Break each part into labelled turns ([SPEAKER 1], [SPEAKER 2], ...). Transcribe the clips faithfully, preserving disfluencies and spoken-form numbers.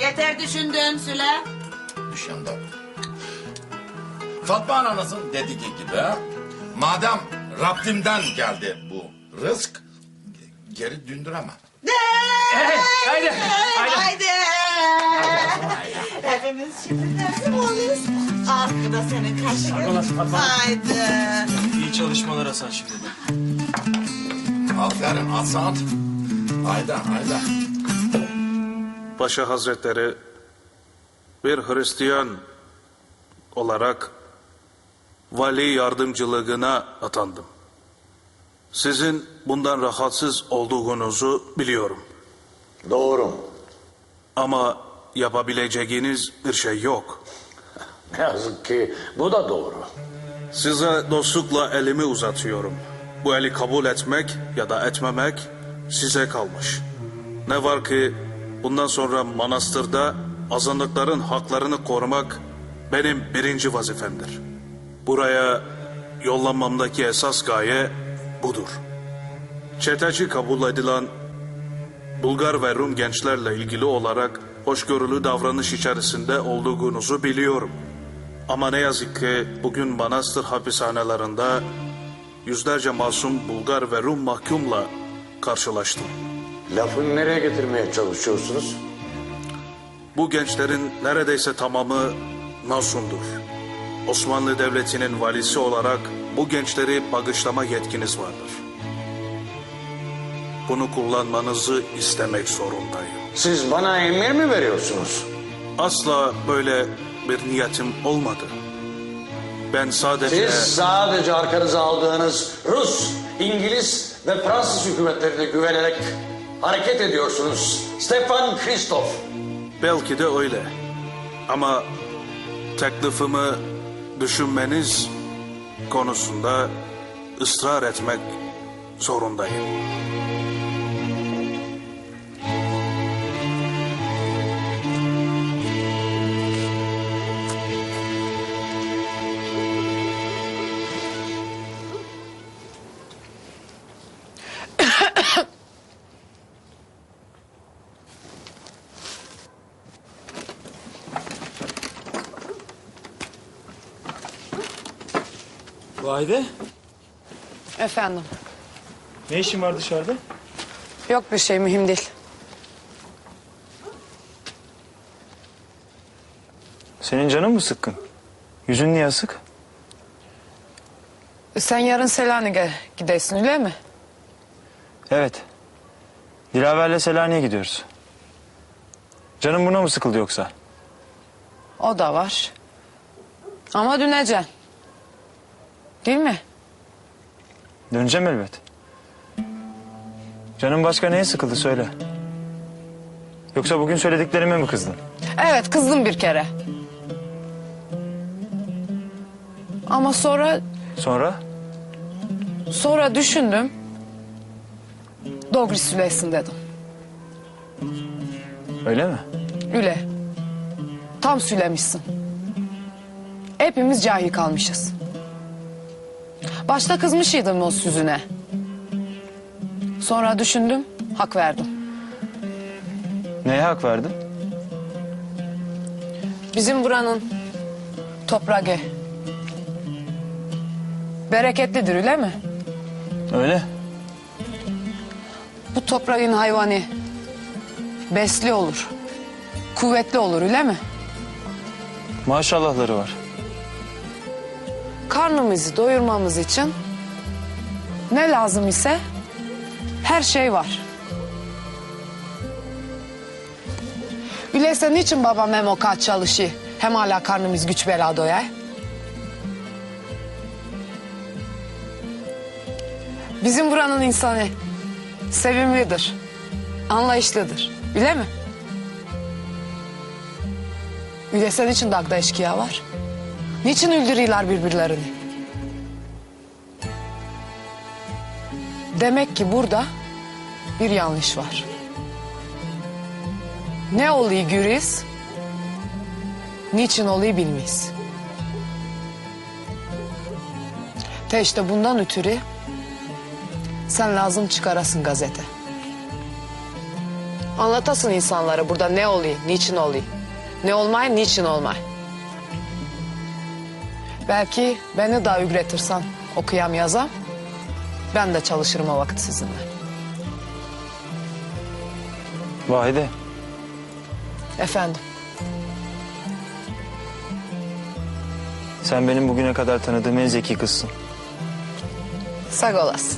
[SPEAKER 1] Yeter düşündün Süle.
[SPEAKER 2] Düşündüm. Fatma ananızın dediği gibi, madem Rabbimden geldi bu rızk, geri döndüremem.
[SPEAKER 3] Evet, haydi, haydi.
[SPEAKER 1] Haydi. Hepimiz şimdi teslim oluruz. Arkada senin kaşığın.
[SPEAKER 3] Fatma, Fatma.
[SPEAKER 1] Haydi.
[SPEAKER 4] İyi çalışmalar Hasan şimdi.
[SPEAKER 2] Aferin Hasan. Hayda hayda.
[SPEAKER 5] Paşa Hazretleri, bir Hristiyan olarak vali yardımcılığına atandım. Sizin bundan rahatsız olduğunuzu biliyorum.
[SPEAKER 6] Doğru.
[SPEAKER 5] Ama yapabileceğiniz bir şey yok.
[SPEAKER 6] Ne yazık ki bu da doğru.
[SPEAKER 5] Size dostlukla elimi uzatıyorum. Bu eli kabul etmek ya da etmemek size kalmış. Ne var ki bundan sonra manastırda azınlıkların haklarını korumak benim birinci vazifemdir. Buraya yollanmamdaki esas gaye budur. Çeteci kabul edilen Bulgar ve Rum gençlerle ilgili olarak hoşgörülü davranış içerisinde olduğunuzu biliyorum. Ama ne yazık ki bugün manastır hapishanelerinde yüzlerce masum Bulgar ve Rum mahkumla karşılaştım.
[SPEAKER 6] Lafı nereye getirmeye çalışıyorsunuz?
[SPEAKER 5] Bu gençlerin neredeyse tamamı masumdur. Osmanlı Devleti'nin valisi olarak bu gençleri bağışlama yetkiniz vardır. Bunu kullanmanızı istemek zorundayım.
[SPEAKER 6] Siz bana emir mi veriyorsunuz?
[SPEAKER 5] Asla böyle bir niyetim olmadı. Ben sadece...
[SPEAKER 6] Siz sadece arkanıza aldığınız Rus, İngiliz ve Fransız hükümetlerine güvenerek hareket ediyorsunuz. Stefan Christoph.
[SPEAKER 5] Belki de öyle. Ama teklifimi düşünmeniz konusunda ısrar etmek zorundayım.
[SPEAKER 4] Vahide,
[SPEAKER 7] Efendim.
[SPEAKER 4] ne işin var dışarıda?
[SPEAKER 7] Yok bir şey, mühim değil.
[SPEAKER 4] Senin canın mı sıkkın? Yüzün niye asık?
[SPEAKER 7] Sen yarın Selanik'e gidesin öyle mi?
[SPEAKER 4] Evet. Dilaver'le Selanik'e gidiyoruz. Canın buna mı sıkıldı yoksa?
[SPEAKER 7] O da var. Ama döneceksin. Değil mi?
[SPEAKER 4] Döneceğim elbet. Canın başka neye sıkıldı söyle. Yoksa bugün söylediklerime mi kızdın?
[SPEAKER 7] Evet, kızdım bir kere. Ama sonra
[SPEAKER 4] Sonra?
[SPEAKER 7] sonra düşündüm. Doğru söylesin dedim.
[SPEAKER 4] Öyle mi?
[SPEAKER 7] Öyle. Tam söylemişsin. Hepimiz cahil kalmışız. Başta kızmışydım o sözüne. Sonra düşündüm, hak verdim.
[SPEAKER 4] Neye hak verdin?
[SPEAKER 7] Bizim buranın toprağı bereketlidir öyle mi?
[SPEAKER 4] Öyle.
[SPEAKER 7] Bu toprağın hayvanı besli olur, kuvvetli olur öyle mi?
[SPEAKER 4] Maşallahları var.
[SPEAKER 7] Karnımızı doyurmamız için ne lazım ise her şey var. Öyleyse niçin babam hem o kadar çalışıyor hem hala karnımız güç bela doyar? Bizim buranın insanı sevimlidir, anlayışlıdır. Öyle mi? Öyleyse niçin dağda eşkıya var? Niçin öldürüyorlar birbirlerini? Demek ki burada bir yanlış var. Ne oluyor görürüz, niçin oluyor bilmeyiz. Te işte bundan ötürü sen lazım çıkarasın gazete. Anlatasın insanlara burada ne oluyor, niçin oluyor. Ne olmay, niçin olmay. Belki beni daha ügretirsen okuyam yazam. Ben de çalışırım o vakit sizinle.
[SPEAKER 4] Vahide,
[SPEAKER 7] Efendim.
[SPEAKER 4] sen benim bugüne kadar tanıdığım en zeki kızsın.
[SPEAKER 7] Sağ olasın.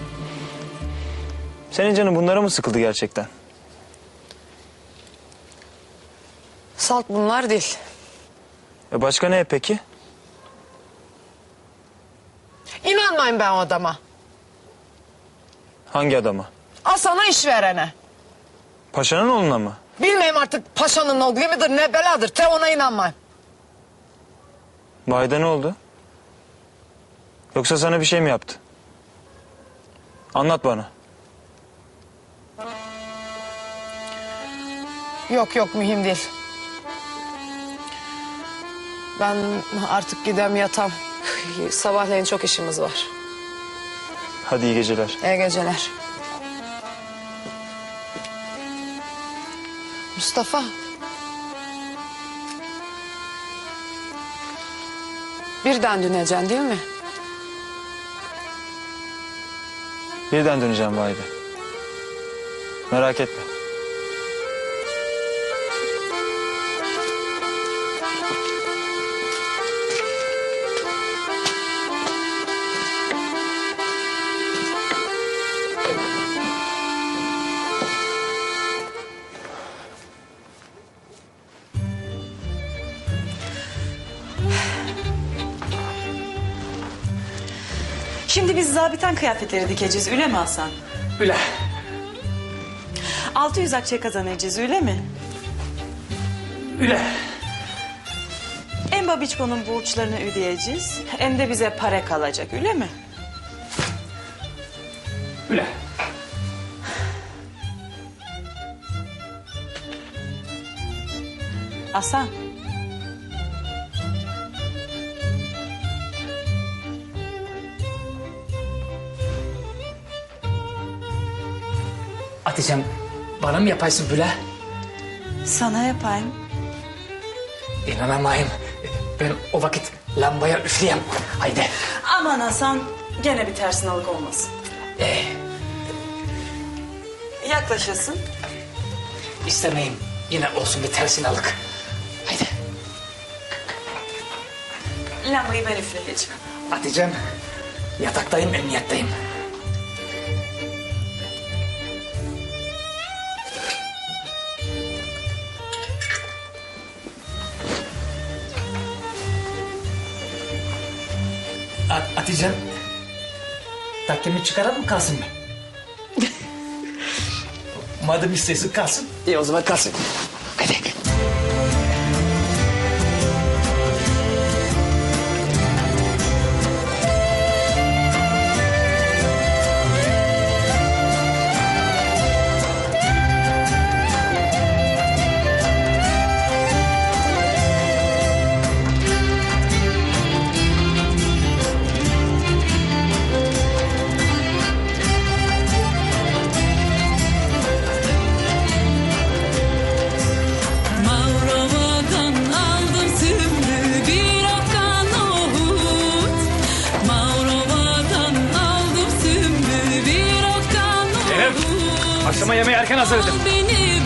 [SPEAKER 4] Senin canın bunlara mı sıkıldı gerçekten?
[SPEAKER 7] Salt bunlar değil.
[SPEAKER 4] E başka ne peki?
[SPEAKER 7] İnanmayın ben o adama.
[SPEAKER 4] Hangi adama?
[SPEAKER 7] Al sana iş verene.
[SPEAKER 4] Paşanın oğluna mı?
[SPEAKER 7] Bilmeyeyim artık paşanın oğlu midir ne beladır. Te ona inanmayın.
[SPEAKER 4] Vahide ne oldu? Yoksa sana bir şey mi yaptı? Anlat bana.
[SPEAKER 7] Yok yok mühim değil. Ben artık gidem yatam. Sabahleyin çok işimiz var.
[SPEAKER 4] Hadi iyi geceler.
[SPEAKER 7] İyi geceler. Mustafa. Birden döneceksin değil mi?
[SPEAKER 4] Birden döneceğim Vahide. Merak etme.
[SPEAKER 1] Şimdi biz zabiten kıyafetleri dikeceğiz öyle mi Hasan?
[SPEAKER 3] Üle.
[SPEAKER 1] altı yüz akçe kazanacağız öyle mi?
[SPEAKER 3] Üle.
[SPEAKER 1] Hem babiçkonun borçlarını ödeyeceğiz hem de bize para kalacak öyle mi?
[SPEAKER 3] Üle.
[SPEAKER 1] Hasan.
[SPEAKER 3] Hatice'm bana mı yapaysın böyle?
[SPEAKER 1] Sana yapayım.
[SPEAKER 3] İnanamayım. Ben o vakit lambaya üfleyeyim. Haydi.
[SPEAKER 1] Aman Hasan gene bir tersinalık olmasın.
[SPEAKER 3] Ee,
[SPEAKER 1] Yaklaşasın.
[SPEAKER 3] istemeyim. Yine olsun bir tersinalık. Haydi.
[SPEAKER 1] Lambayı ben üfleyeceğim.
[SPEAKER 3] Hatice'm yataktayım, emniyetteyim. At- Hatice'm takkemi çıkaran mı kalsın mı? Madem istiyorsun kalsın. İyi o zaman kalsın. Hadi.
[SPEAKER 8] Mavrova'dan aldım sümbül bir okkan nohut. Mavrova'dan aldım sümbül bir okkan nohut.
[SPEAKER 3] Akşama yemeği erken hazırladım.
[SPEAKER 8] Beni